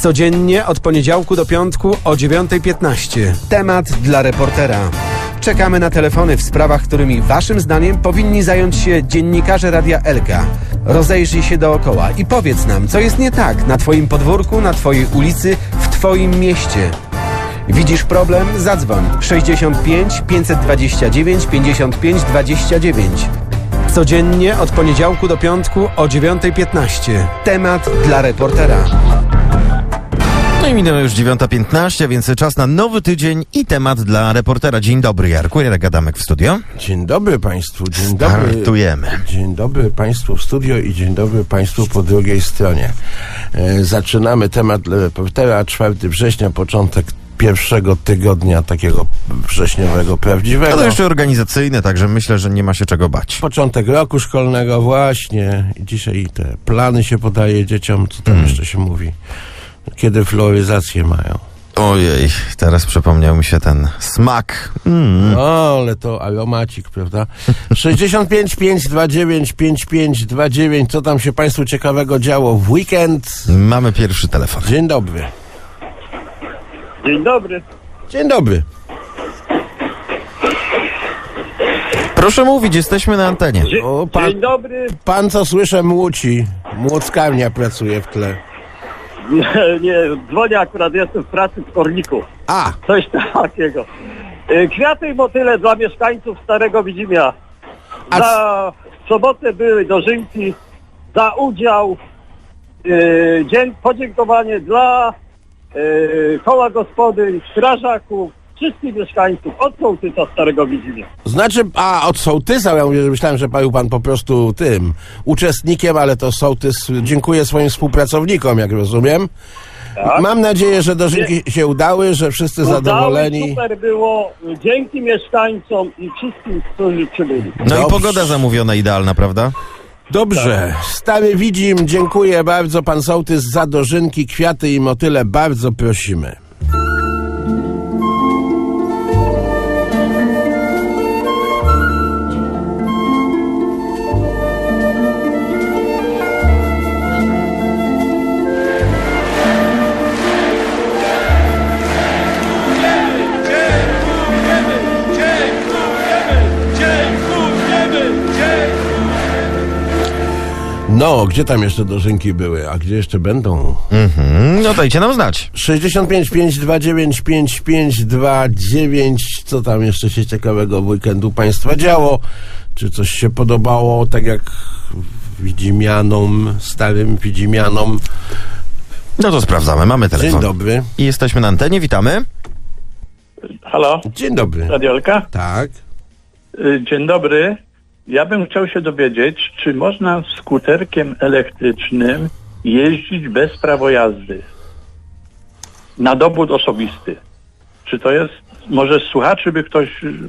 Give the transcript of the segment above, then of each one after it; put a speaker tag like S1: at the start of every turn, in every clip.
S1: Codziennie od poniedziałku do piątku o 9:15. Temat dla reportera. Czekamy na telefony w sprawach, którymi waszym zdaniem powinni zająć się dziennikarze Radia Elka. Rozejrzyj się dookoła i powiedz nam, co jest nie tak na twoim podwórku, na twojej ulicy, w twoim mieście. Widzisz problem? Zadzwoń 65 529 55 29. Codziennie od poniedziałku do piątku o 9:15. Temat dla reportera.
S2: No i minęła już 9:15, więc czas na nowy tydzień i temat dla reportera. Dzień dobry, Jarku. Jarek Adamek w studio.
S3: Dzień dobry Państwu, dzień dobry.
S2: Startujemy.
S3: Dzień dobry Państwu w studio i dzień dobry Państwu po drugiej stronie. Zaczynamy temat dla reportera. 4 września, początek pierwszego tygodnia takiego wrześniowego prawdziwego.
S2: No to jeszcze organizacyjne, także myślę, że nie ma się czego bać.
S3: Początek roku szkolnego właśnie. I dzisiaj te plany się podaje dzieciom, co tam jeszcze się mówi. Kiedy floryzację mają.
S2: Ojej, teraz przypomniał mi się ten smak.
S3: O, ale to aromacik, prawda? 65 529 5529. Co tam się Państwu ciekawego działo w weekend?
S2: Mamy pierwszy telefon.
S3: Dzień dobry.
S4: Dzień dobry.
S3: Dzień dobry.
S2: Proszę mówić, jesteśmy na antenie.
S3: O,
S4: Dzień dobry.
S3: pan co słyszę młóci. Młockarnia pracuje w tle.
S4: Nie, dzwonię akurat, jestem w pracy w Korniku.
S3: A,
S4: Coś takiego. Kwiaty i motyle dla mieszkańców Starego Widzimia.
S3: A
S4: Za sobotę były dożynki, za udział, podziękowanie dla koła gospodyń, strażaków, wszystkich mieszkańców od sołtysa Starego Widzimia.
S3: znaczy, od sołtysa, ja mówię, że myślałem, że był pan po prostu tym uczestnikiem, ale to sołtys dziękuję swoim współpracownikom, jak rozumiem.
S4: Tak.
S3: Mam nadzieję, że dożynki się udały, że wszyscy zadowoleni.
S4: Super było, dzięki mieszkańcom i wszystkim, którzy przybyli.
S2: No i
S3: Dobrze.
S2: pogoda zamówiona idealna, prawda?
S3: Dobrze, Stary Widzim, dziękuję bardzo, pan sołtys, za dożynki, kwiaty i motyle, bardzo prosimy. No, gdzie tam jeszcze dożynki były, a gdzie jeszcze będą?
S2: No dajcie nam znać.
S3: 65 529 5529. Co tam jeszcze się ciekawego w weekendu Państwa działo? Czy coś się podobało, tak jak Widzimianom, starym Widzimianom?
S2: No to sprawdzamy, mamy telefon.
S3: Dzień dobry.
S2: I jesteśmy na antenie, witamy.
S4: Halo,
S3: Dzień dobry.
S4: Radiolka?
S3: Tak.
S4: Dzień dobry. Ja bym chciał się dowiedzieć, czy można skuterkiem elektrycznym jeździć bez prawa jazdy na dowód osobisty. Czy to jest, może z słuchaczy by ktoś...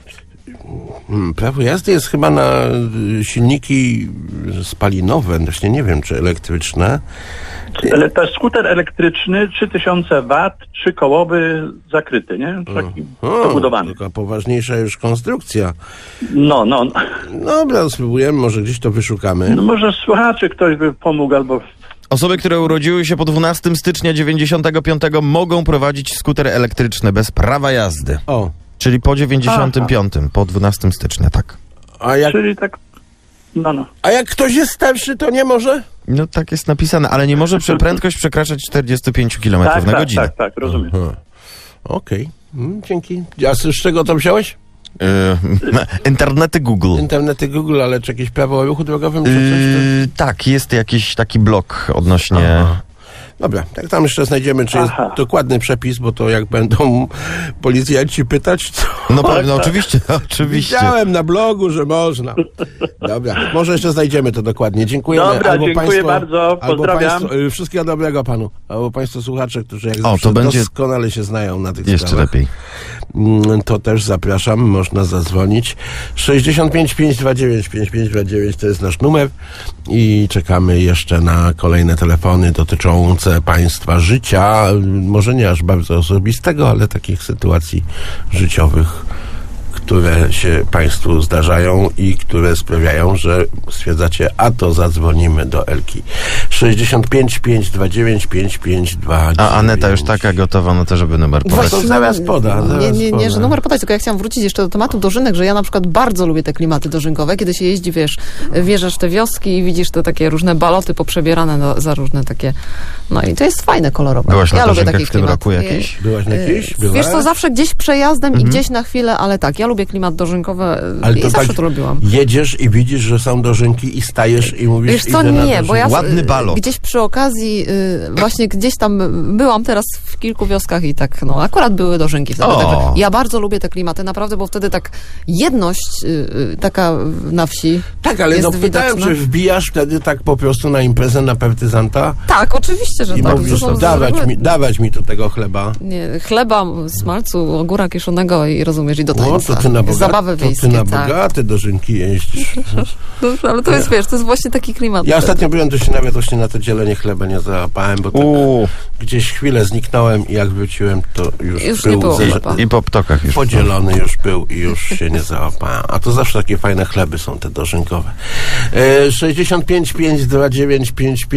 S3: Prawo jazdy jest chyba na silniki spalinowe, właśnie nie wiem, czy elektryczne.
S4: Ale to jest skuter elektryczny, 3000 W, 3-kołowy, zakryty, nie? Taki dobudowany.
S3: Taka poważniejsza już konstrukcja.
S4: No.
S3: Dobra, spróbujemy, może gdzieś to wyszukamy.
S4: No może słuchaczy ktoś by pomógł, albo...
S2: Osoby, które urodziły się po 12 stycznia 95 mogą prowadzić skuter elektryczny bez prawa jazdy.
S3: O,
S2: Czyli po 95, po 12 stycznia, tak.
S4: Czyli tak... No.
S3: A jak ktoś jest starszy, to nie może?
S2: No tak jest napisane, ale nie może prędkość przekraczać 45 km na godzinę.
S4: Tak, rozumiem.
S3: Okej, dzięki. A z czego to wziąłeś?
S2: Internety Google.
S3: Internety Google, ale czy jakieś prawo o ruchu drogowym, czy coś?
S2: Tak, jest jakiś taki blok odnośnie...
S3: Dobra, tak tam jeszcze znajdziemy, czy jest dokładny przepis, bo to jak będą policjanci pytać, to...
S2: No pewnie, oczywiście.
S3: Widziałem na blogu, że można. Dobra, może jeszcze znajdziemy to dokładnie. Dziękujemy.
S4: Dobra, dziękuję bardzo, pozdrawiam.
S3: Wszystkiego dobrego panu. Albo państwo słuchacze, którzy jak
S2: to
S3: zawsze
S2: będzie
S3: doskonale się znają na tych
S2: jeszcze
S3: sprawach.
S2: lepiej.
S3: To też zapraszam, można zadzwonić. 65 529 5529 to jest nasz numer i czekamy jeszcze na kolejne telefony dotyczące państwa życia, może nie aż bardzo osobistego, ale takich sytuacji życiowych, które się państwu zdarzają i które sprawiają, że stwierdzacie, a to zadzwonimy do Elki. 65 529 5529.
S2: A Aneta już taka gotowa na to, żeby numer podać.
S3: To zaraz poda.
S5: Nie, że numer podać, tylko ja chciałam wrócić jeszcze do tematu dożynek, że ja na przykład bardzo lubię te klimaty dożynkowe, kiedy się jeździ, wiesz, wjeżdżasz w te wioski i widzisz te takie różne baloty poprzebierane za różne takie, no i to jest fajne, kolorowe.
S2: Byłaś na
S5: ja lubię
S2: dożynkach
S5: taki
S2: w tym
S5: klimat.
S2: roku jakiś?
S3: Byłaś na jakiejś?
S5: Wiesz co, zawsze gdzieś przejazdem i gdzieś na chwilę, ale tak, ja lubię klimat dożynkowy
S3: Ale
S5: i
S3: to
S5: zawsze
S3: tak
S5: to lubiłam.
S3: jedziesz i widzisz, że są dożynki i stajesz i mówisz,
S5: Wiesz co,
S3: idę na
S5: nie, bo ja
S2: Ładny balot.
S5: gdzieś przy okazji, właśnie gdzieś tam byłam teraz w kilku wioskach i tak, no akurat były dożynki wtedy.
S2: O.
S5: Także ja bardzo lubię te klimaty, naprawdę, bo wtedy tak jedność taka na wsi
S3: Tak, ale
S5: jest
S3: no pytałem,
S5: widoczna.
S3: czy wbijasz wtedy tak po prostu na imprezę na partyzanta
S5: Tak, oczywiście, że
S3: i
S5: tak.
S3: mówisz,
S5: To są
S3: dawać mi tu tego chleba.
S5: Nie, chleba, smalcu, ogóra kiszonego i rozumiesz, i do
S3: O,
S5: tańca.
S3: to ty na
S5: Zabawy wiejskie,
S3: bogate
S5: tak.
S3: dożynki jeździsz.
S5: Dobrze, ale to jest, wiesz, to jest właśnie taki klimat.
S3: Ja ostatnio byłem, to się nawet właśnie na to dzielenie chleba nie załapałem, bo tak gdzieś chwilę zniknąłem i jak wróciłem, to już
S5: nie
S3: był
S5: było chleba.
S2: I po ptokach już.
S3: podzielony już był i już się nie załapałem. A to zawsze takie fajne chleby są te dożynkowe. 65 529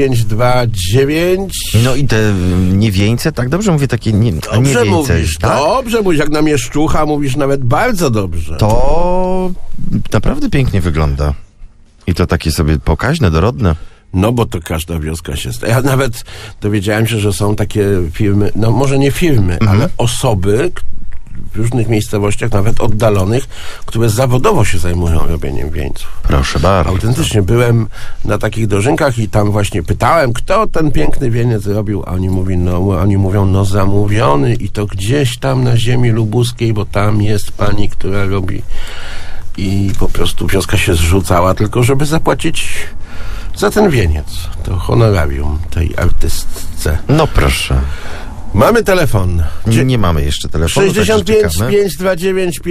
S3: 5529.
S2: No i te niewieńce, tak dobrze mówię, takie nie
S3: Dobrze
S2: wieńce,
S3: mówisz,
S2: tak?
S3: dobrze mówisz, jak na mieszczucha mówisz nawet bardzo dobrze.
S2: To naprawdę pięknie wygląda. I to takie sobie pokaźne, dorodne.
S3: No bo to każda wioska się... Ja nawet dowiedziałem się, że są takie firmy, no może nie firmy, ale osoby w różnych miejscowościach, nawet oddalonych, które zawodowo się zajmują robieniem wieńców.
S2: Proszę bardzo.
S3: Autentycznie byłem na takich dożynkach i tam właśnie pytałem, kto ten piękny wieniec robił, a oni mówią, no zamówiony i to gdzieś tam na ziemi lubuskiej, bo tam jest pani, która robi. I po prostu wioska się zrzucała tylko, żeby zapłacić za ten wieniec. To honorarium tej artystce.
S2: No proszę.
S3: Mamy telefon.
S2: Nie mamy jeszcze telefonu.
S3: 65
S2: także czekamy.
S3: 529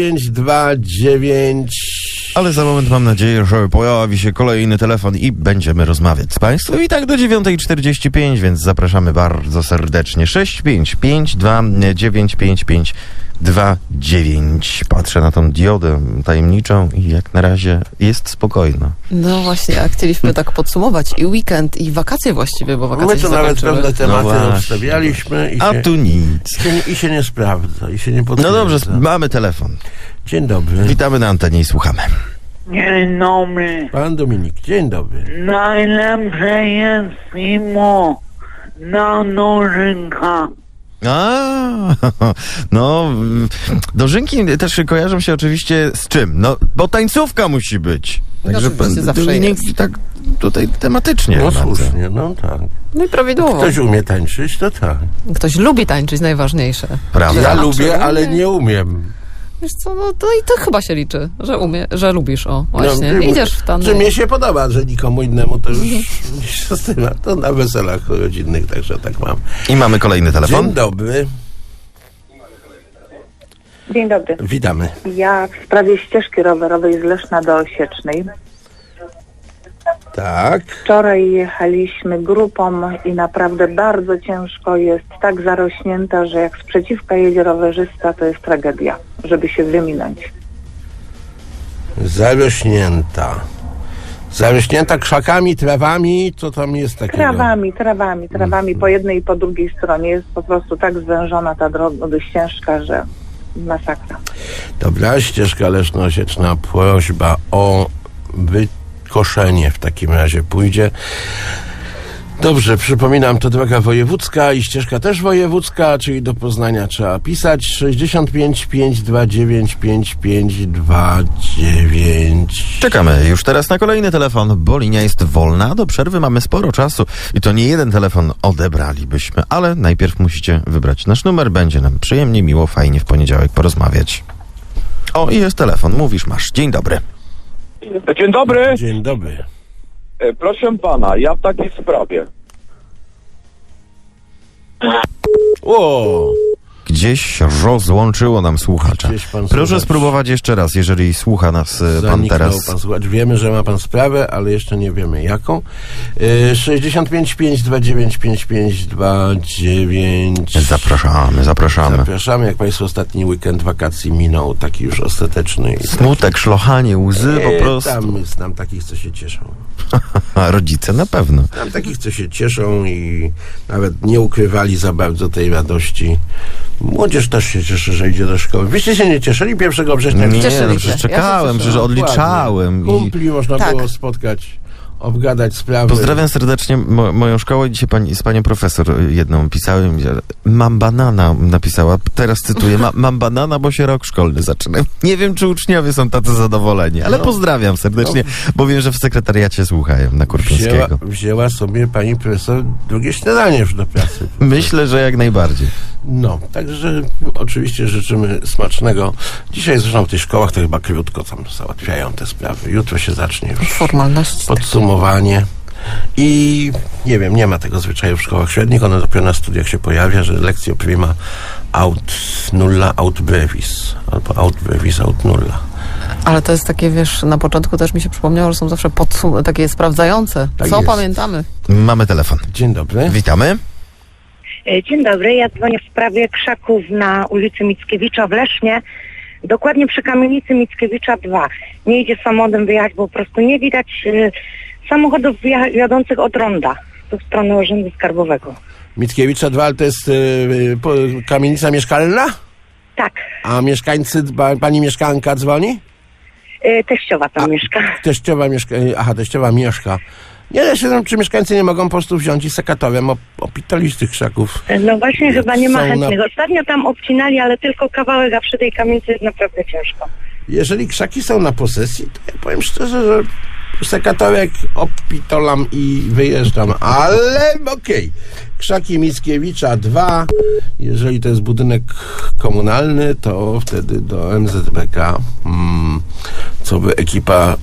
S3: 5529.
S2: Ale za moment mam nadzieję, że pojawi się kolejny telefon i będziemy rozmawiać z Państwem. I tak do 9:45, więc zapraszamy bardzo serdecznie. 655295529. Patrzę na tą diodę tajemniczą i jak na razie jest spokojna.
S5: No właśnie, a chcieliśmy tak podsumować i weekend, i wakacje właściwie, bo wakacje
S3: My
S5: się
S3: to nawet
S5: zakończyły.
S3: pewne tematy
S2: właśnie.
S3: obstawialiśmy
S2: A tu nic.
S3: i się nie sprawdza, i się nie
S2: No
S3: potwierdza.
S2: dobrze, mamy telefon.
S3: Dzień dobry.
S2: Witamy na antenie i słuchamy.
S6: Dzień dobry.
S3: Pan Dominik, dzień dobry.
S6: Najlepsze jest mimo na nożynka.
S2: A, no, dożynki też kojarzą się oczywiście z czym? No, bo tańcówka musi być. Także
S5: oczywiście zawsze
S2: Dominik
S5: jest.
S2: tak tutaj tematycznie.
S3: No
S2: bardzo.
S3: słusznie, no tak.
S5: No i prawidłowo.
S3: Ktoś umie tańczyć, to tak.
S5: Ktoś lubi tańczyć, najważniejsze.
S2: Prawda.
S3: Ja
S5: A,
S3: lubię,
S5: czy
S3: ale
S5: umie?
S3: nie umiem.
S5: Wiesz co, no to i to chyba się liczy, że lubisz, o, właśnie.
S3: No,
S5: Idziesz w tany.
S3: Czy mnie się podoba, że nikomu innemu to już mniejsza z tym, to na weselach rodzinnych, także tak mam.
S2: I mamy kolejny telefon.
S3: Dzień dobry,
S7: Dzień dobry.
S3: witamy.
S7: Ja w sprawie ścieżki rowerowej z Leszna do Osiecznej.
S3: Tak.
S7: Wczoraj jechaliśmy grupą i naprawdę bardzo ciężko jest, tak zarośnięta, że jak sprzeciwka jedzie rowerzysta, to jest tragedia, żeby się wyminąć.
S3: Zarośnięta. Zarośnięta krzakami, trawami, co tam jest takiego?
S7: Trawami po jednej i po drugiej stronie. Jest po prostu tak zwężona ta droga, ścieżka, że masakra.
S3: Dobra, ścieżka Leszno-Osieczna, prośba o wykoszenie w takim razie pójdzie. Dobrze, przypominam, to droga wojewódzka i ścieżka też wojewódzka, czyli do Poznania trzeba pisać 65 529 5529.
S2: Czekamy już teraz na kolejny telefon, bo linia jest wolna. Do przerwy mamy sporo czasu i to nie jeden telefon odebralibyśmy, ale najpierw musicie wybrać nasz numer. Będzie nam przyjemnie, miło, fajnie w poniedziałek porozmawiać. O, i jest telefon. Mówisz, masz. Dzień dobry.
S8: Dzień dobry.
S3: Dzień dobry.
S8: Proszę pana, ja w takiej sprawie.
S3: O!
S2: Gdzie Gdzieś rozłączyło nam słuchacza.
S3: Gdzieś pan
S2: Proszę
S3: słuchacz
S2: spróbować jeszcze raz, jeżeli słucha nas pan
S3: zaniknął
S2: teraz.
S3: pan słuchacz. Wiemy, że ma pan sprawę, ale jeszcze nie wiemy jaką. 65 529 5529.
S2: Zapraszamy.
S3: Zapraszamy, jak państwo ostatni weekend wakacji minął, taki już ostateczny.
S2: Smutek, szlochanie, łzy po prostu.
S3: Tam znam takich, co się cieszą.
S2: A rodzice na pewno.
S3: Znam takich, co się cieszą i nawet nie ukrywali za bardzo tej radości. Młodzież też się cieszy, że idzie do szkoły. Wyście się nie cieszyli 1 września?
S2: Nie,
S5: Cieszyli
S2: no
S5: się.
S2: przecież
S5: Ja
S2: czekałem,
S5: się
S2: przecież odliczałem.
S3: Kumpli można
S5: Tak.
S3: było spotkać, obgadać sprawy.
S2: Pozdrawiam serdecznie moją szkołę. Dzisiaj z panią profesor jedną pisałem. Mam banana, napisała. Teraz cytuję. Mam banana, bo się rok szkolny zaczyna. Nie wiem, czy uczniowie są tacy zadowoleni, ale pozdrawiam serdecznie, bo wiem, że w sekretariacie słuchają na Kurpińskiego.
S3: Wzięła sobie pani profesor drugie śniadanie już do pracy.
S2: Myślę, że jak najbardziej.
S3: No, także oczywiście życzymy smacznego. Dzisiaj zresztą w tych szkołach to chyba krótko tam załatwiają te sprawy. Jutro się zacznie już
S5: Formalności.
S3: podsumowanie. I nie wiem, nie ma tego zwyczaju w szkołach średnich. Ono dopiero na studiach się pojawia, że lekcjo prima aut nulla aut brevis. Albo aut brevis aut nulla.
S5: Ale to jest takie, wiesz, na początku też mi się przypomniało, że są zawsze takie sprawdzające.
S3: Tak
S5: Co
S3: jest.
S5: pamiętamy?
S2: Mamy telefon.
S3: Dzień dobry.
S2: Witamy.
S9: Dzień dobry, ja dzwonię w sprawie krzaków na ulicy Mickiewicza w Lesznie, dokładnie przy kamienicy Mickiewicza 2. Nie idzie samochodem wyjechać, bo po prostu nie widać samochodów jadących od ronda w stronę Urzędu Skarbowego.
S3: Mickiewicza 2, ale to jest kamienica mieszkalna?
S9: Tak,
S3: A mieszkańcy, pani mieszkanka dzwoni?
S9: teściowa tam mieszka.
S3: Teściowa mieszka. Aha, teściowa mieszka. Nie, ja się znam, czy mieszkańcy nie mogą po prostu wziąć i sekatorem opitolić tych krzaków.
S9: No właśnie chyba nie ma
S3: Są
S9: chętnych. Ostatnio tam obcinali, ale tylko kawałek, a przy tej kamienicy jest naprawdę ciężko.
S3: Jeżeli krzaki są na posesji, to ja powiem szczerze, że sekatorek opitolam i wyjeżdżam, ale okej. Krzaki Mickiewicza 2, jeżeli to jest budynek komunalny, to wtedy do MZBK, co by ekipa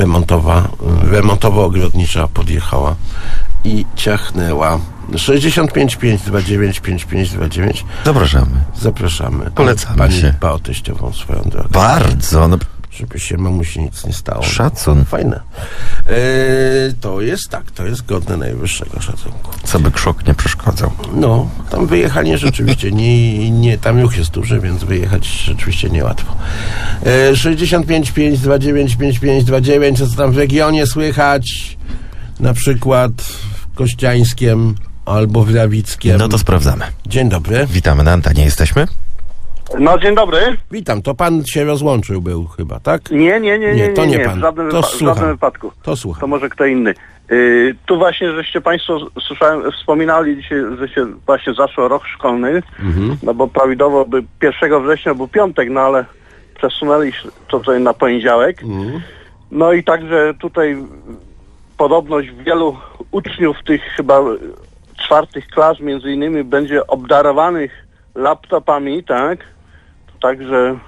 S3: remontowo-ogrodnicza podjechała i ciachnęła. 65 529 5529.
S2: Zapraszamy.
S3: Zapraszamy.
S2: Polecamy
S3: Pani
S2: się.
S3: dba o teściową swoją drogą.
S2: Bardzo. No,
S3: Żeby się mamusi nic nie stało.
S2: Szacun.
S3: Fajne. To jest tak, to jest godne najwyższego szacunku.
S2: co by krzok nie przeszkadzał.
S3: No, tam wyjechanie rzeczywiście nie, tam ruch jest duży, więc wyjechać rzeczywiście niełatwo. 65 529 5529, co tam w regionie słychać? Na przykład w Kościańskiem albo w Rawickiem.
S2: No to sprawdzamy.
S3: Dzień dobry.
S2: Witamy na antenie, jesteśmy?
S8: No, dzień dobry.
S3: Witam, to pan się rozłączył był chyba, tak?
S8: Nie,
S3: to nie pan.
S8: w żadnym,
S3: To
S8: w
S3: słucham.
S8: żadnym wypadku.
S3: To słucham.
S8: To może kto inny. Tu właśnie, żeście państwo, słyszałem, wspominali dzisiaj, że się właśnie zaczął rok szkolny, no bo prawidłowo by 1 września był piątek, no ale przesunęli to tutaj na poniedziałek. No i także tutaj podobność wielu uczniów tych chyba 4 klas między innymi będzie obdarowanych laptopami, tak? Także,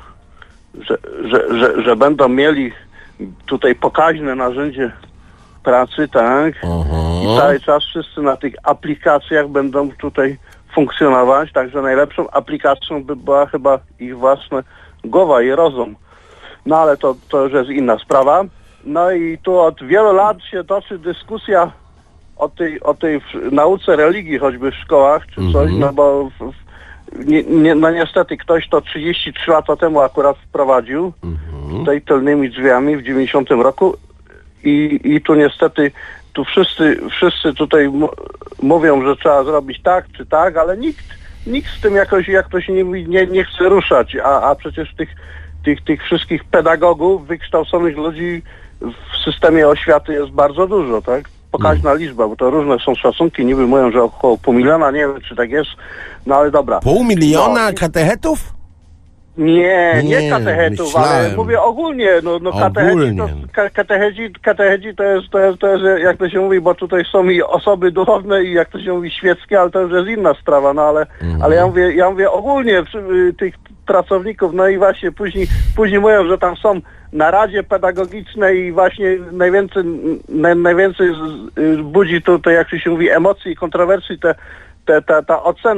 S8: że będą mieli tutaj pokaźne narzędzie pracy, tak? I cały czas wszyscy na tych aplikacjach będą tutaj funkcjonować, także najlepszą aplikacją by była chyba ich własna głowa i rozum. No ale to już jest inna sprawa. No i tu od wielu lat się toczy dyskusja o tej nauce religii, choćby w szkołach czy coś, no bo no niestety ktoś to 33 lata temu akurat wprowadził tutaj tylnymi drzwiami w 90 roku i tu niestety tu wszyscy tutaj mówią, że trzeba zrobić tak czy tak, ale nikt z tym jakoś, jak to się nie chce ruszać, a przecież tych wszystkich pedagogów, wykształconych ludzi w systemie oświaty jest bardzo dużo, tak? Pokaźna liczba, bo to różne są szacunki, niby mówią, że około 500 000, nie wiem czy tak jest, no ale dobra.
S3: 500 000 katechetów?
S8: Nie katechetów, ale
S3: myślałem.
S8: mówię ogólnie, no katechedzi to jest, jak to się mówi, bo tutaj są i osoby duchowne i jak to się mówi świeckie, ale to już jest inna sprawa, no ale ja mówię ogólnie tych pracowników, no i właśnie później mówią, że tam są na Radzie Pedagogicznej i właśnie najwięcej budzi tutaj, jak się mówi, emocji i kontrowersji ta ocena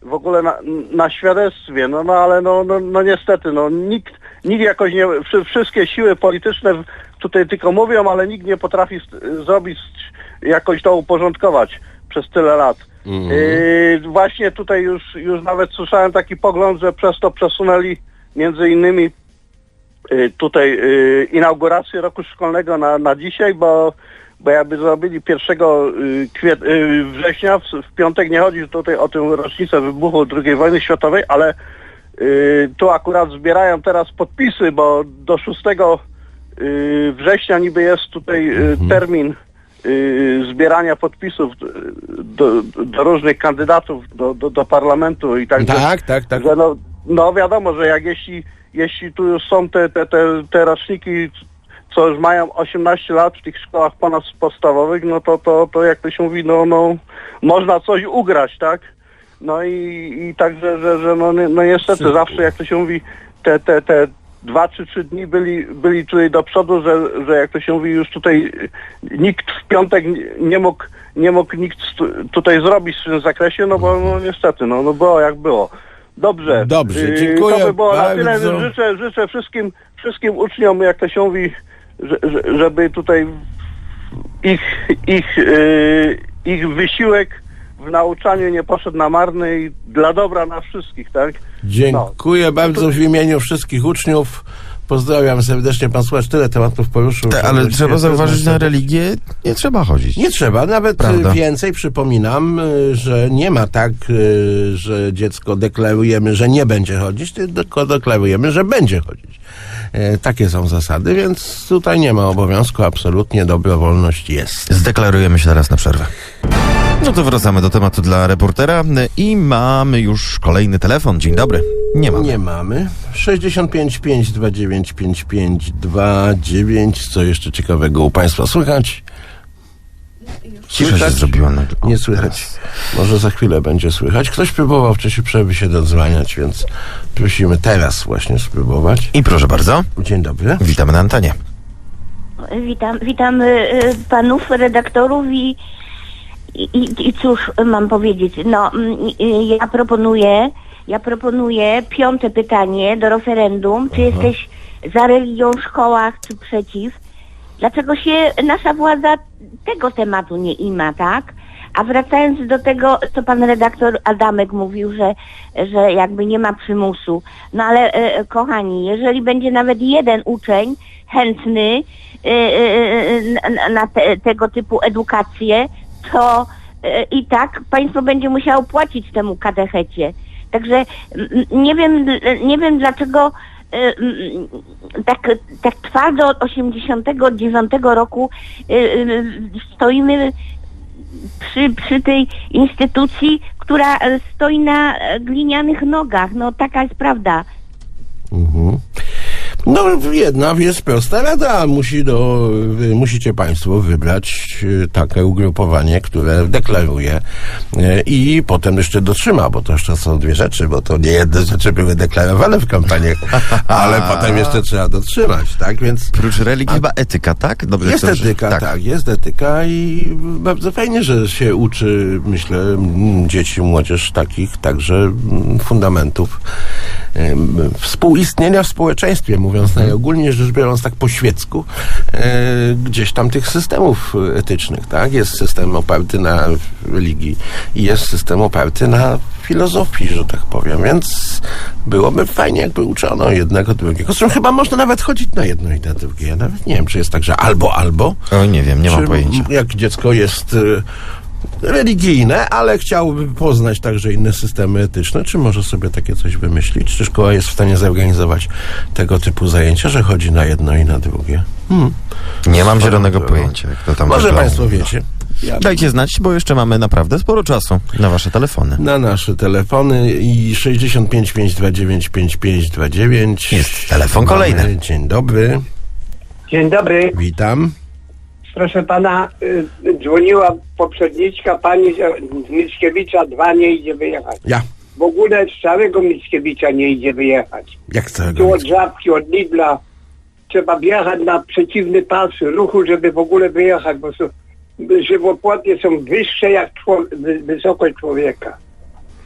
S8: w ogóle na świadectwie, no ale no niestety, no nikt jakoś nie, wszystkie siły polityczne tutaj tylko mówią, ale nikt nie potrafi zrobić, jakoś to uporządkować przez tyle lat. Właśnie tutaj już nawet słyszałem taki pogląd, że przez to przesunęli między innymi tutaj inaugurację roku szkolnego na dzisiaj, bo jakby zrobili 1 września, w piątek, nie chodzi tutaj o tę rocznicę wybuchu II wojny światowej, ale tu akurat zbierają teraz podpisy, bo do 6 września niby jest tutaj termin zbierania podpisów do różnych kandydatów do parlamentu i tak.
S3: Tak.
S8: Że no wiadomo, że jak jeśli tu już są te roczniki, co już mają 18 lat w tych szkołach ponadpodstawowych, no to jak to się mówi, no można coś ugrać, tak? No i także, że no niestety zawsze, jak to się mówi, te 2 czy 3 dni byli tutaj do przodu, że jak to się mówi, już tutaj nikt w piątek nie mógł nikt tutaj zrobić w tym zakresie, no bo no niestety, no było jak było. Dobrze,
S3: dziękuję
S8: to by było
S3: bardzo.
S8: na tyle. Życzę wszystkim uczniom, jak to się mówi, żeby tutaj ich wysiłek w nauczaniu nie poszedł na marny i dla dobra na wszystkich, tak?
S3: Dziękuję bardzo w imieniu wszystkich uczniów. Pozdrawiam serdecznie. Pan Słuchacz tyle tematów poruszył.
S2: Ale trzeba zauważyć, na religię nie trzeba chodzić.
S3: Nie trzeba, nawet więcej. Przypominam, że nie ma tak, że dziecko deklarujemy, że nie będzie chodzić, tylko deklarujemy, że będzie chodzić. Takie są zasady, więc tutaj nie ma obowiązku, absolutnie dobrowolność jest.
S2: Zdeklarujemy się teraz na przerwę. No to wracamy do tematu dla reportera i mamy już kolejny telefon. Dzień dobry. Nie mamy. 65 529 5529. Co jeszcze ciekawego u Państwa słychać? Cisza się zrobiła nagle.
S3: Nie słychać. Może za chwilę będzie słychać. Ktoś próbował w czasie przerwy się dodzwaniać, więc prosimy teraz właśnie spróbować.
S2: I proszę bardzo.
S3: Dzień dobry.
S2: Witamy na antenie.
S10: Witam panów redaktorów i cóż mam powiedzieć. No, ja proponuję 5. pytanie do referendum. Czy jesteś za religią w szkołach, czy przeciw? Dlaczego się nasza władza tego tematu nie ima, tak? A wracając do tego, co pan redaktor Adamek mówił, że jakby nie ma przymusu. No ale kochani, jeżeli będzie nawet jeden uczeń chętny na tego typu edukację, to i tak państwo będzie musiało płacić temu katechecie. Także nie wiem dlaczego tak twardo od 89 roku stoimy przy tej instytucji, która stoi na glinianych nogach. No taka jest prawda.
S3: No jedna jest prosta rada. Musicie Państwo wybrać takie ugrupowanie, które deklaruje i potem jeszcze dotrzyma, bo to jeszcze są 2 rzeczy, bo to nie jedne rzeczy były deklarowane w kampaniach, ale potem jeszcze trzeba dotrzymać, tak? Więc
S2: prócz religii chyba etyka, tak? Dobrze,
S3: jest etyka, tak, jest etyka i bardzo fajnie, że się uczy, myślę, dzieci, młodzież takich także fundamentów współistnienia w społeczeństwie, mówiąc najogólniej rzecz biorąc tak po świecku, gdzieś tam tych systemów etycznych, tak? Jest system oparty na religii i jest system oparty na filozofii, że tak powiem, więc byłoby fajnie, jakby uczono jednego, drugiego. Zresztą chyba można nawet chodzić na jedno i na drugie. Ja nawet nie wiem, czy jest tak, że albo.
S2: Oj, nie wiem, nie mam pojęcia.
S3: Jak dziecko jest religijne, ale chciałby poznać także inne systemy etyczne, czy może sobie takie coś wymyślić? Czy szkoła jest w stanie zorganizować tego typu zajęcia, że chodzi na jedno i na drugie?
S2: Nie mam zielonego pojęcia, jak to tam
S3: może
S2: wygląda.
S3: Państwo wiecie.
S2: Dajcie znać, bo jeszcze mamy naprawdę sporo czasu na wasze telefony.
S3: Na nasze telefony i 65 529 5529.
S2: Jest telefon kolejny.
S3: Dzień dobry.
S11: Dzień dobry.
S3: Witam.
S11: Proszę pana, dzwoniła poprzedniczka, pani z Mickiewicza 2 nie idzie wyjechać.
S3: Ja.
S11: W ogóle z całego Mickiewicza nie idzie wyjechać.
S3: Jak całego?
S11: Tu od Żabki, od Lidla trzeba wjechać na przeciwny pas ruchu, żeby w ogóle wyjechać, bo żywopłoty są wyższe jak wysokość człowieka.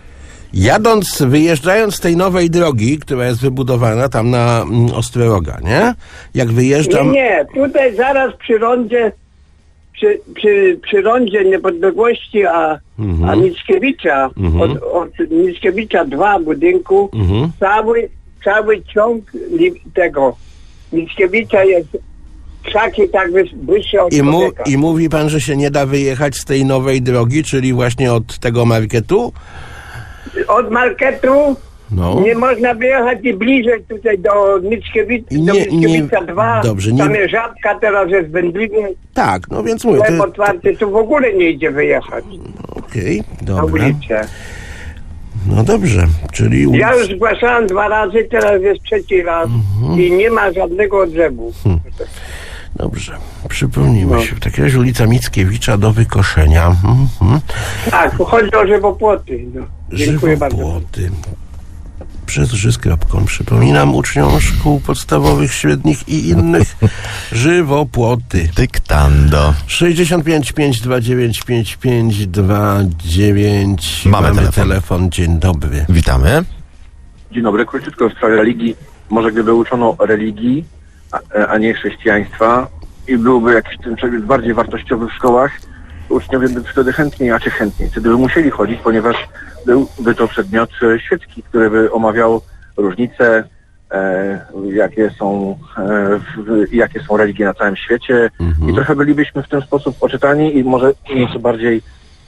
S3: wyjeżdżając z tej nowej drogi, która jest wybudowana tam na Ostroga, nie? Jak wyjeżdżam...
S11: Nie, tutaj zaraz przy rondzie, przy rondzie Niepodległości, a Mickiewicza, od Mickiewicza 2 budynku, cały ciąg tego Mickiewicza jest krzaki tak wyższe od człowieka.
S3: I mówi pan, że się nie da wyjechać z tej nowej drogi, czyli właśnie od tego marketu?
S11: Od marketu nie można wyjechać i bliżej tutaj do Mickiewicza 2.
S3: Dobrze,
S11: tam jest Żabka, teraz jest wędliwie.
S3: Tak, no więc mówię.
S11: Sklep otwarty, tu w ogóle nie idzie wyjechać.
S3: Okej,
S11: Na
S3: dobra.
S11: ulicę.
S3: No dobrze, czyli...
S11: Ja już zgłaszałem 2 razy, teraz jest 3. raz i nie ma żadnego odzewu.
S3: Dobrze, przypomnijmy się. W takim razie ulica Mickiewicza do wykoszenia.
S11: Tak, chodzi o żywopłoty. No. Dziękuję bardzo.
S3: Żywopłoty. Przez ży.com. Przypominam uczniom szkół podstawowych, średnich i innych żywopłoty.
S2: Dyktando.
S3: 65 529 5529. Mamy telefon. Dzień dobry.
S2: Witamy.
S12: Dzień dobry. Króciutko w sprawie religii. Może gdyby uczono religii, a nie chrześcijaństwa i byłby jakiś ten przedmiot bardziej wartościowy w szkołach, uczniowie by wtedy chętniej wtedy by musieli chodzić, ponieważ byłby to przedmiot świecki, który by omawiał różnice, jakie są religie na całym świecie i trochę bylibyśmy w ten sposób oczytani i może nieco bardziej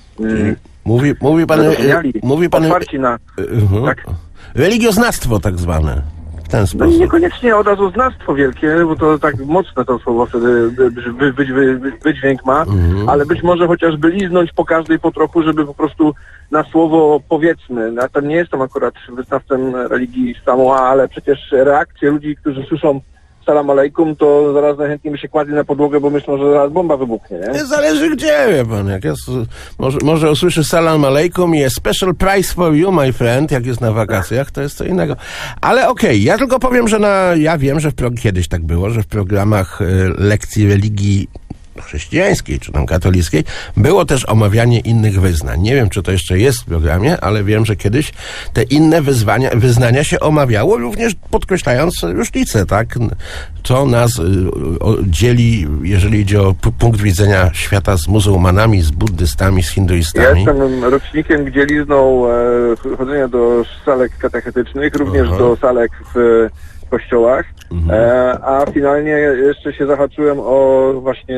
S3: mówi pan
S12: otwarci na... Tak?
S3: Religioznawstwo tak zwane. W ten sposób.
S12: No i niekoniecznie od razu znawstwo wielkie, bo to tak mocne to słowo wtedy wydźwięk ma, ale być może chociażby liznąć po każdej po trochu, żeby po prostu na słowo powiedzmy. Ja tam nie jestem akurat wyznawcą religii Samoa, ale przecież reakcje ludzi, którzy słyszą salam alejkum, to zaraz najchętniej by się kładli na podłogę, bo myślą, że zaraz bomba wybuchnie, nie?
S3: Zależy gdzie, wie pan. Jak jest, może usłyszy salam alejkum i jest special price for you, my friend, jak jest na wakacjach, to jest co innego. Ale okej, ja tylko powiem, że ja wiem, że kiedyś tak było, że w programach lekcji religii chrześcijańskiej, czy tam katolickiej, było też omawianie innych wyznań. Nie wiem, czy to jeszcze jest w programie, ale wiem, że kiedyś te inne wyznania się omawiało, również podkreślając różnice, tak? Co nas dzieli, jeżeli idzie o punkt widzenia świata z muzułmanami, z buddystami, z hinduistami.
S12: Ja jestem rocznikiem dzielizną chodzenia do salek katechetycznych, również do salek w kościołach, a finalnie jeszcze się zahaczyłem o właśnie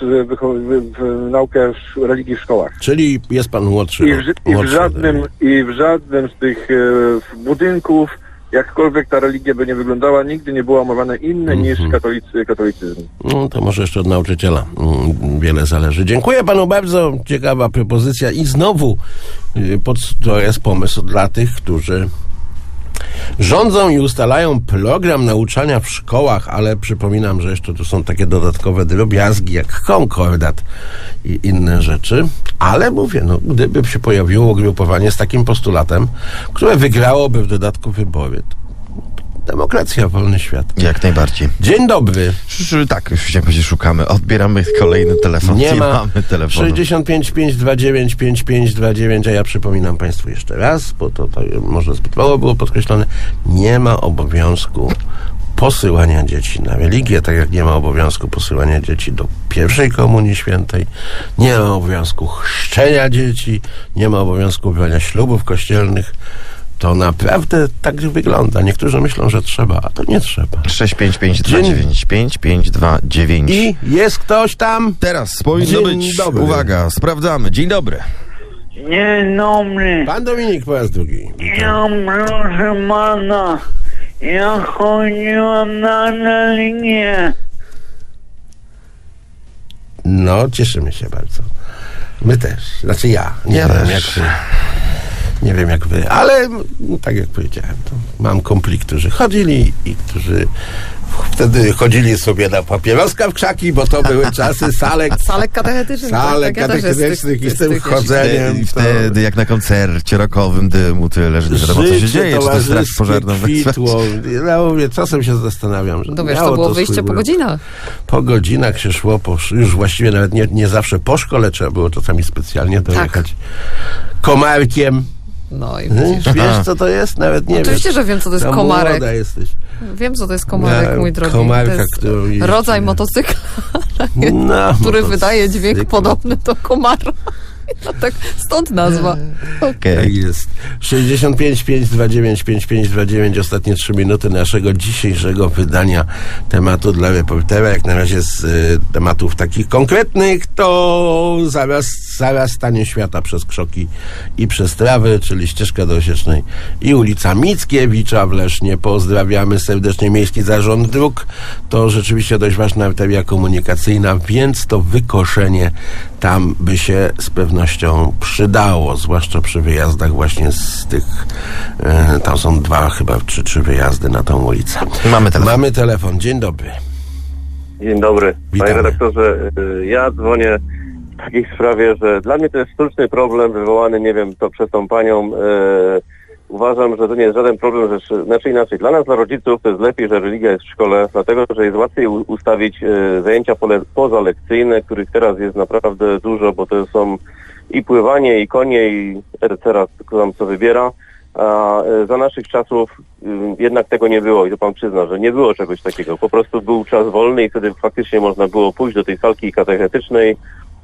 S12: naukę religii w szkołach.
S3: Czyli jest pan młodszy.
S12: I w żadnym z tych budynków, jakkolwiek ta religia by nie wyglądała, nigdy nie było omawiane inne niż katolicyzm.
S3: No to może jeszcze od nauczyciela wiele zależy. Dziękuję panu bardzo. Ciekawa propozycja i znowu to jest pomysł dla tych, którzy rządzą i ustalają program nauczania w szkołach, ale przypominam, że jeszcze tu są takie dodatkowe drobiazgi jak konkordat i inne rzeczy. Ale mówię, no, gdyby się pojawiło ugrupowanie z takim postulatem, które wygrałoby w dodatku wybory, demokracja, wolny świat.
S2: Jak najbardziej.
S3: Dzień dobry.
S2: Tak, już chciałem powiedzieć, szukamy. Odbieramy kolejny telefon.
S3: Nie
S2: mamy telefonu.
S3: 65 529 5529, a ja przypominam państwu jeszcze raz, bo to może zbyt mało było podkreślone, nie ma obowiązku posyłania dzieci na religię, tak jak nie ma obowiązku posyłania dzieci do pierwszej komunii świętej, nie ma obowiązku chrzczenia dzieci, nie ma obowiązku brania ślubów kościelnych. To naprawdę tak wygląda. Niektórzy myślą, że trzeba, a to nie trzeba.
S2: 655295529.
S3: I jest ktoś tam?
S2: Teraz powinno być.
S3: Dobry.
S2: Uwaga, sprawdzamy. Dzień dobry.
S6: Dzień dobry.
S3: Pan Dominik po raz drugi.
S6: Ja proszę pana, ja chodziłam na religię.
S3: No, cieszymy się bardzo. My też. Znaczy ja. Nie wiem jak wy, ale tak jak powiedziałem, to mam kumpli, którzy chodzili i którzy wtedy chodzili sobie na papieroska w krzaki, bo to były czasy salek
S5: katechetycznych.
S3: katechetycznych i z tym chodzeniem.
S2: I wtedy jak na koncercie rockowym dymu tyle, że nie wiadomo co się dzieje, czy to straż pożarną
S3: kwitło. Ja mówię, czasem się zastanawiam, że
S5: wiesz, to było wyjście po godzinach.
S3: Po godzinach się szło, już właściwie nawet nie zawsze po szkole trzeba było czasami specjalnie dojechać komarkiem.
S5: No i widzisz.
S3: Wiesz, co to jest? Nawet nie
S5: Oczywiście,
S3: wiesz.
S5: że wiem, co to jest
S3: Tam
S5: komarek.
S3: młoda jesteś.
S5: Wiem, co to jest komarek, mój drogi.
S3: Komarka,
S5: To jest
S3: którą jeździ.
S5: rodzaj motocykla,
S3: No,
S5: który wydaje
S3: motocykl.
S5: dźwięk podobny do komara. No tak, stąd nazwa.
S3: Tak jest. 65 529 5529, ostatnie 3 minuty naszego dzisiejszego wydania tematu dla reportera. Jak na razie z tematów takich konkretnych, to zaraz stanie świata przez Krzoki i przez Trawy, czyli ścieżka do Osiecznej i ulica Mickiewicza w Lesznie. Pozdrawiamy serdecznie Miejski Zarząd Dróg. To rzeczywiście dość ważna arteria komunikacyjna, więc to wykoszenie tam by się z pewnością przydało, zwłaszcza przy wyjazdach właśnie z tych, tam są 2 chyba, czy 3 wyjazdy na tą ulicę. Mamy telefon. Dzień dobry.
S13: Dzień dobry.
S3: Witamy.
S13: Panie redaktorze, ja dzwonię w takiej sprawie, że dla mnie to jest sztuczny problem wywołany, nie wiem, to przez tą panią. Uważam, że to nie jest żaden problem, znaczy inaczej. Dla nas, dla rodziców, to jest lepiej, że religia jest w szkole, dlatego, że jest łatwiej ustawić zajęcia pozalekcyjne, których teraz jest naprawdę dużo, bo to są i pływanie, i konie, i etc., tam co wybiera. A za naszych czasów jednak tego nie było i to pan przyzna, że nie było czegoś takiego. Po prostu był czas wolny i wtedy faktycznie można było pójść do tej salki katechetycznej.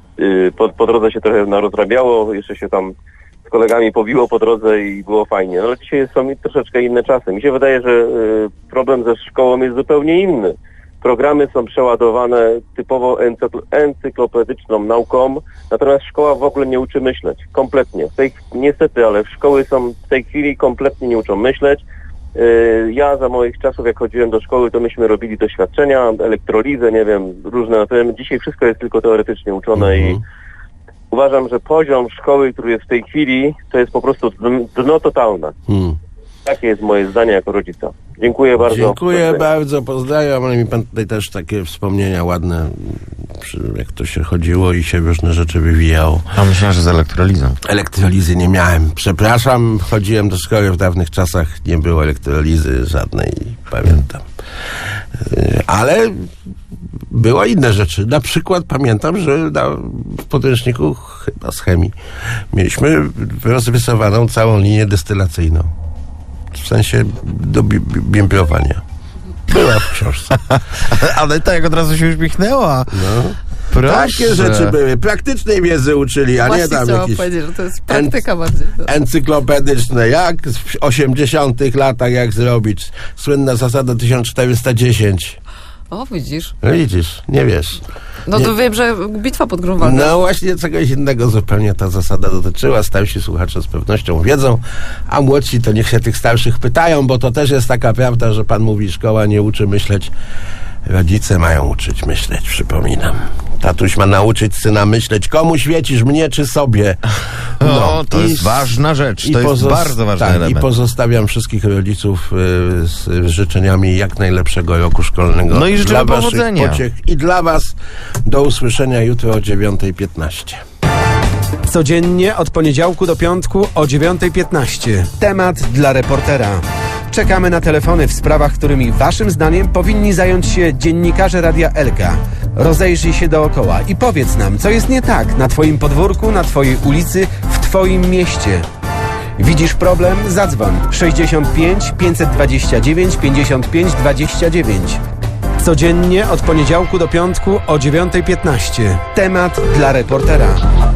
S13: Po drodze się trochę narozrabiało, jeszcze się tam z kolegami pobiło po drodze i było fajnie. No dzisiaj są troszeczkę inne czasy. Mi się wydaje, że problem ze szkołą jest zupełnie inny. Programy są przeładowane typowo encyklopedyczną nauką, natomiast szkoła w ogóle nie uczy myśleć. Kompletnie. Niestety, ale szkoły w tej chwili kompletnie nie uczą myśleć. Ja za moich czasów, jak chodziłem do szkoły, to myśmy robili doświadczenia, elektrolizę, nie wiem, różne. Dzisiaj wszystko jest tylko teoretycznie uczone i uważam, że poziom szkoły, który jest w tej chwili, to jest po prostu dno totalne. Takie jest moje zdanie jako rodzica. Dziękuję bardzo.
S3: Dziękuję bardzo, pozdrawiam, ale mi pan tutaj też takie wspomnienia ładne, jak to się chodziło i się różne rzeczy wywijało.
S2: A myślałem, że z elektrolizą.
S3: Elektrolizy nie miałem. Przepraszam, chodziłem do szkoły w dawnych czasach, nie było elektrolizy żadnej, pamiętam. Ale były inne rzeczy. Na przykład pamiętam, że w podręczniku chyba z chemii mieliśmy rozrysowaną całą linię destylacyjną. W sensie do bimbrowania. Była w książce.
S2: Ale tak od razu się uśmiechnęła.
S3: No.
S2: Proszę.
S3: Takie rzeczy były. Praktycznej wiedzy uczyli, a
S5: Właśnie
S3: nie tam
S5: chciałam
S3: jakieś
S5: powiedzieć, że to jest praktyka bardziej.
S3: encyklopedyczne. Jak w 80 latach, jak zrobić. Słynna zasada 1410.
S5: O, widzisz.
S3: Widzisz, nie wiesz.
S5: No to wiem, że bitwa pod Grunwaldem.
S3: No właśnie czegoś innego zupełnie ta zasada dotyczyła. Starsi słuchacze z pewnością wiedzą, a młodsi to niech się tych starszych pytają, bo to też jest taka prawda, że pan mówi, szkoła nie uczy myśleć. Rodzice mają uczyć myśleć, przypominam. Tatuś ma nauczyć syna myśleć, komu świecisz, mnie czy sobie.
S2: No, to jest ważna rzecz, to jest bardzo ważny element.
S3: I pozostawiam wszystkich rodziców z życzeniami jak najlepszego roku szkolnego.
S2: No i życzę
S3: dla
S2: powodzenia.
S3: waszych pociech i dla was. Do usłyszenia jutro o 9:15.
S1: Codziennie od poniedziałku do piątku o 9:15. Temat dla reportera. Czekamy na telefony w sprawach, którymi waszym zdaniem powinni zająć się dziennikarze Radia Elka. Rozejrzyj się dookoła i powiedz nam, co jest nie tak na twoim podwórku, na twojej ulicy, w twoim mieście. Widzisz problem? Zadzwoń 65 529 55 29. Codziennie od poniedziałku do piątku o 9:15. Temat dla reportera.